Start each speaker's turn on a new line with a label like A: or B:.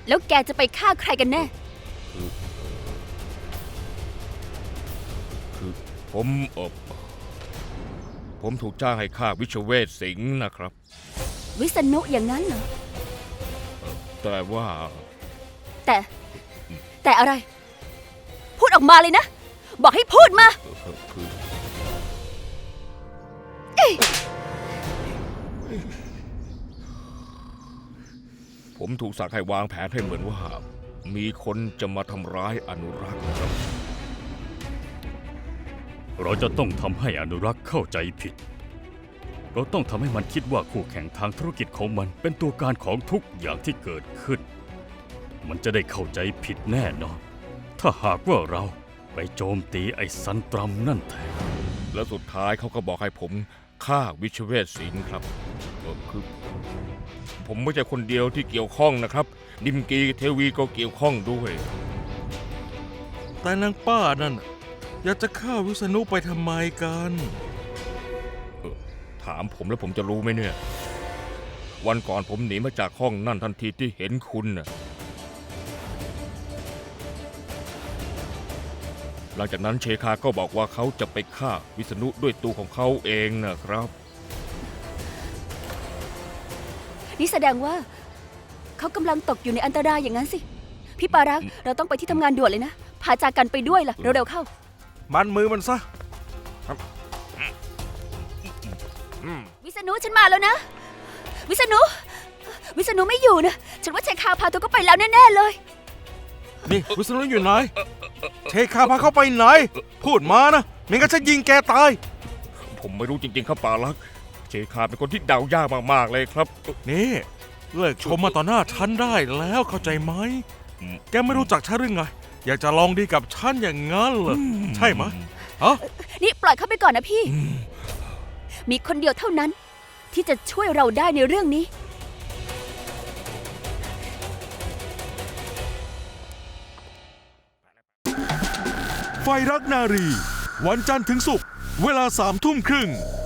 A: แล้วแกจะไปฆ่าใครกันแน่
B: คือผมถูกจ้างให้ฆ่าวิชเวทสิงห์นะครับ
A: วิษณุอย่างนั้นเหรอ
B: แต่ว่า
A: แต่อะไร พูดออกมาเลยนะ บอกให้พูดมา
B: คือผมถูกสั่งให้วางแผนให้เหมือนว่ามีคนจะมาทำร้ายอนุรักษ์ครับ
C: เราจะต้องทำให้อนุรักษ์เข้าใจผิด เราต้องทำให้มันคิดว่าคู่แข่งทางธุรกิจของมันเป็นตัวการของทุกอย่างที่เกิดขึ้น มันจะได้เข้าใจผิดแน่นอน ถ้าหากว่าเราไปโจมตีไอ้ซันตรัมนั่นแทน
B: แล้วสุดท้ายเขาก็บอกให้ผมฆ่าวิชเวทสิงห์ครับคือผมไม่ใช่คนเดียวที่เกี่ยวข้องนะครับดิมกีเทวีก็เกี่ยวข้องด้วย
D: แต่นางป้านั่นอยากจะฆ่าวิษณุไปทำไมกัน
B: ถามผมแล้วผมจะรู้ไหมเนี่ย วันก่อนผมหนีมาจากห้องนั่นทันทีที่เห็นคุณน่ะหลังจากนั้นเชคาก็บอกว่าเขาจะไปฆ่าวิษณุด้วยตัวของเขาเองนะครับ
A: นี่แสดงว่า เขากำลังตกอยู่ในอันตรายอย่างนั้นสิ พี่ปารักษ์เราต้องไปที่ทำงานด่วนเลยนะ พาจากกันไปด้วยล่ะ เร็วๆเข้า
D: มันมือมันซะ
A: วิษณุฉันมาแล้วนะ วิษณุไม่อยู่นะ ฉันว่าเชคาพาตัวก็ไปแล้วแน่ๆเลย
D: นี่วิษณุอยู่ไหน เชคาพาเข้าไปไหน พูดมานะไม่งั้นฉันยิงแกตาย
B: ผมไม่รู้จริงๆครับปาลักษ์เชคาเป็นคนที่เดายากมากๆเลยครับ
D: นี่เลิกชมมาต่อหน้าฉันได้แล้วเข้าใจไหม แกไม่รู้จักฉันหรือไง อยากจะลองดีกับฉันอย่างงั้นเหรอใช่ไหมฮะ
A: นี่ปล่อยเขาไปก่อนนะพี่ มีคนเดียวเท่านั้น ที่จะช่วยเราได้ในเรื่องนี้
D: ไฟรักนารี วันจันทร์ถึงศุกร์เวลา3 ทุ่มครึ่ง